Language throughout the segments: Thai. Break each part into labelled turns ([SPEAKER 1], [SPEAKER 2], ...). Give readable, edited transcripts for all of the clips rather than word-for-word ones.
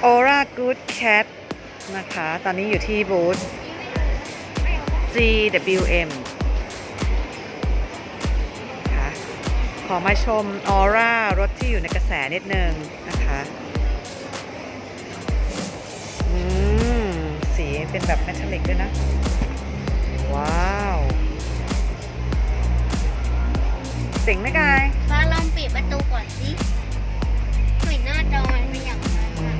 [SPEAKER 1] Aura Good Cat นะคะ ตอนนี้อยู่ที่บูธ GWM ค่ะขอมาชม Aura รถที่อยู่ในกระแสนิดนึงนะคะสีเป็นแบบเมทัลลิกด้วยนะ ว้าวเจ๋งไหมกาย
[SPEAKER 2] ฟ้าลองปิดประตูก่อนสิเห็นหน้าจอมันไม่อย่างนั้นอะ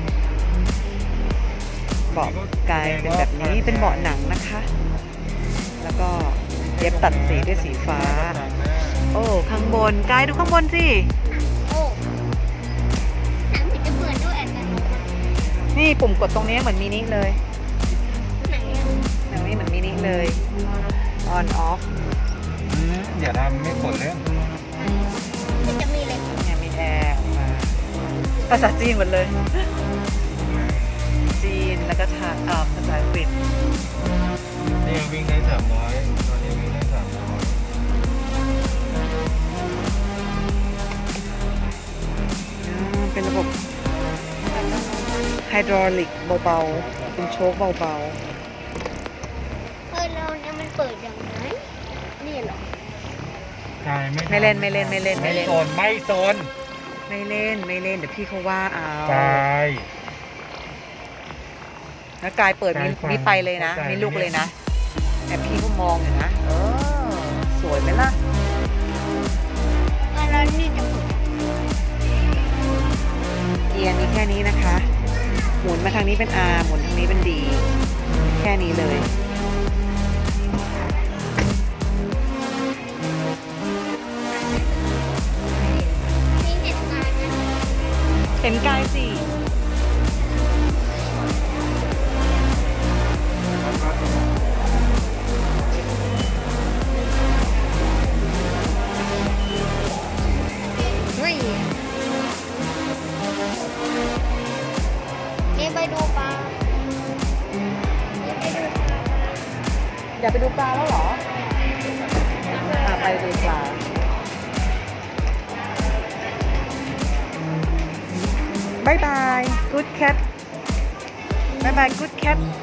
[SPEAKER 1] เบาะกายเป็นแบบนี้เป็นเบาะหนังนะคะ แล้วก็เย็บตัดสีด้วยสีฟ้า โอ้ข้างบนกายดูข้างบนสิ
[SPEAKER 2] โอ้หนังมันจะเปิดด้วยอัตโนมัติ
[SPEAKER 1] นี่ปุ่มกดตรงนี้เหมือนมินิเลย
[SPEAKER 2] ไหนอะ
[SPEAKER 1] ตรงนี้เหมือนมินิเลย on off
[SPEAKER 3] อย่าทำไม่กดเลย
[SPEAKER 2] มันจะมีอะไร
[SPEAKER 1] เนี่ยมีแอร์ออกมาภาษาจีนหมดเลย จีนแล้วก็ภาษาอังกฤษ
[SPEAKER 3] นี่วิ่งได้300ตอนนี้วิ่งได้300
[SPEAKER 1] เป็นระบบไฮดรอลิกเบาๆ เป็นโชคเบา
[SPEAKER 2] เราเนี่ยมันเปิดอย่างไรนี่เหรอ
[SPEAKER 3] ใช่
[SPEAKER 1] ๆ ไม่เล่น
[SPEAKER 3] ไม่โซนไม่โซน
[SPEAKER 1] ไม่เล่น เดี๋ยวพี่เขาว่าเอา
[SPEAKER 3] ตาย
[SPEAKER 1] แล้วกายเปิดมีไปเลยนะ มีลูกเลยนะแต่พี่ก็มองอยู่นะ สวยไหมล่ะ
[SPEAKER 2] แล้วนี่จะเปิด
[SPEAKER 1] เกียร์มีแค่นี้นะคะ หมุนมาทางนี้เป็น R หมุนทางนี้เป็น D แค่นี้เลย
[SPEAKER 2] นี่เห็นงานนะ
[SPEAKER 1] เห็นกายสิ
[SPEAKER 2] เฮ้ยนี่ไปดูปลานี่ไปดูปลา
[SPEAKER 1] อยากไปดูปลาแล้วเหรอไปดูปลาบายบาย good cat บายบาย good cat